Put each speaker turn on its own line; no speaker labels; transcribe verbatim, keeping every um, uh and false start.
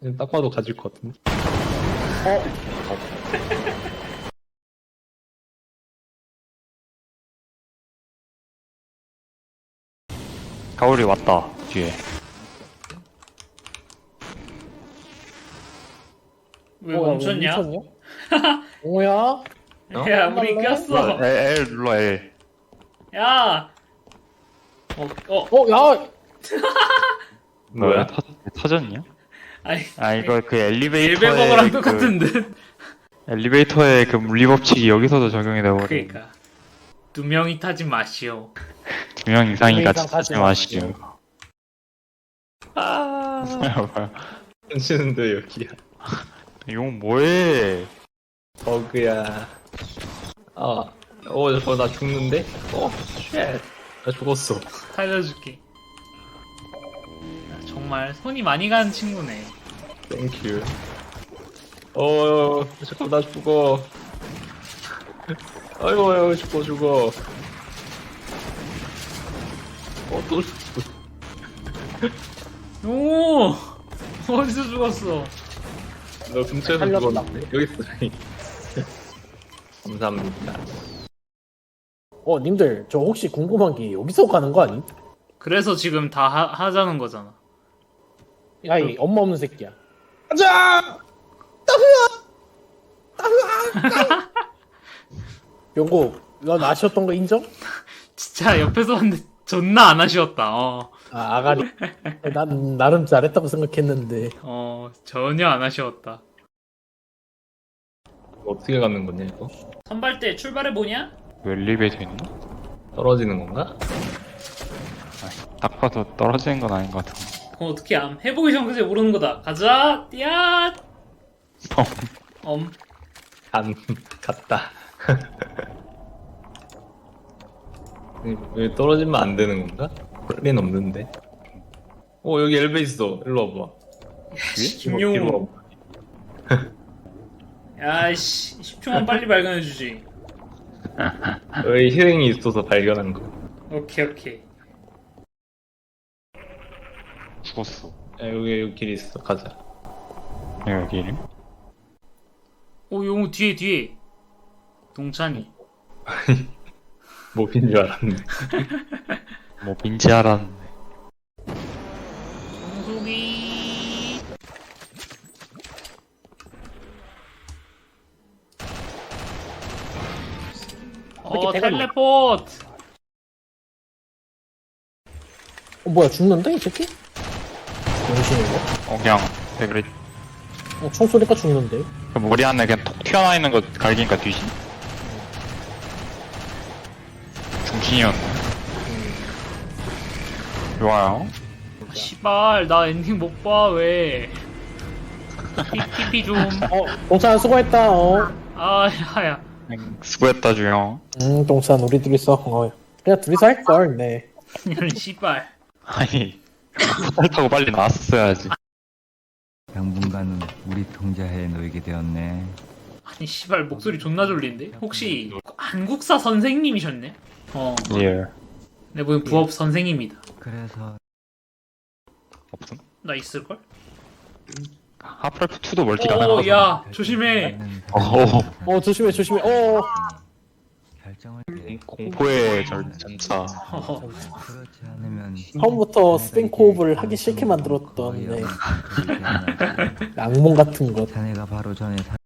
딱 봐도 가질 것 같은데.
가오리 왔다 뒤에.
왜
어, 야, 왜
멈췄냐?
멈췄냐? 뭐야?
야, 우리
끝날래?
꼈어.
L, L 눌러 L.
야. 어, 어,
어, 야!
뭐야?
터, 터졌냐?
아니,
아 이거 그 엘리베이터의
일베버거랑
그
똑같은 듯.
엘리베이터의 그 물리법칙이 여기서도 적용이 되버려.
그러니까 두 명이 타지 마시오.
두 명 이상이
두
같이
이상 타지
타지 마시죠.
아,
뭐야?
던지는데 여기야.
용 뭐해?
버그야. 아, 어, 저거 나 죽는데? 어, 쉣. 나 죽었어.
살려줄게. 야, 정말 손이 많이 가는 친구네.
땡큐. 어, 자꾸 나 죽어. 아이고, 아이고, 죽어, 죽어. 어, 또 죽어.
오, 어디서 죽었어?
너 근처에서
살렸다.
죽었는데? 여기 있어, 저기. 감사합니다.
어, 님들, 저 혹시 궁금한 게 여기서 가는 거 아니?
그래서 지금 다 하, 하자는 거잖아.
야, 이 엄마 없는 새끼야. 가자! 따흐아! 따흐아! 영국, 넌 아쉬웠던 거 인정?
진짜 옆에서 봤는데 존나 안 아쉬웠다. 어,
아, 아가리. 난 나름 잘했다고 생각했는데.
어, 전혀 안 아쉬웠다.
어떻게 가는 거냐, 이거?
선발 때 출발해 보냐?
왜 엘리베이터 있나?
떨어지는 건가?
아, 딱 봐도 떨어지는 건 아닌 것 같아.
그럼 어떻게 암? 해보기 전까지 모르는 거다. 가자, 띠앗. 엄.
간, 갔다. 왜 떨어지면 안 되는 건가? 원래는 없는데. 어, 여기 엘베 있어. 일로 와봐.
김용우.
뒤로 와봐.
야이씨, 십 초만 빨리 발견해주지.
여기 희생이 있어서 발견한 거.
오케이, 오케이.
죽었어.
야, 여기, 여기 길 있어. 가자.
여기.
오, 용우 뒤에, 뒤에. 동찬이.
뭐인 줄 알았네.
뭐 민지 알았는데.
정수기. 어,
대가리.
텔레포트.
어, 뭐야, 죽는데, 이 새끼? 정신인가?
어 그냥 그래.
어, 총 쏘니까 죽는데.
그 머리 안에 그냥 톡 튀어나와 있는 거 갈기니까 뒤지. 중신이었네. 좋아요.
시발, 나 엔딩 못 봐, 왜. 티피 좀.
어, 동산 수고했다, 어.
아, 야야.
수고했다 주영.
음, 동산 우리 둘이서, 어. 그냥 둘이서 할걸, 네.
이런 씨발.
아니 호텔 타고 빨리 나왔었어야지.
당분간은 우리 통제하에 놓이게 되었네.
아니, 씨발, 목소리 존나 졸린데? 혹시 한국사 선생님이셨네? 어.
예.
내 보기엔 부업 선생님이다.
그래서
없음.
나 있을걸?
하프라이프 투도 멀티 가능하다.
오, 야, 조심해.
어.
어, 조심해, 조심해, 어.
결정을
공포의 절, 전차.
어.
그렇지 않으면
처음부터 스팽코업을 하기 싫게 만들었던, 네. 악몽 같은 것.
자네가 바로 전에 사...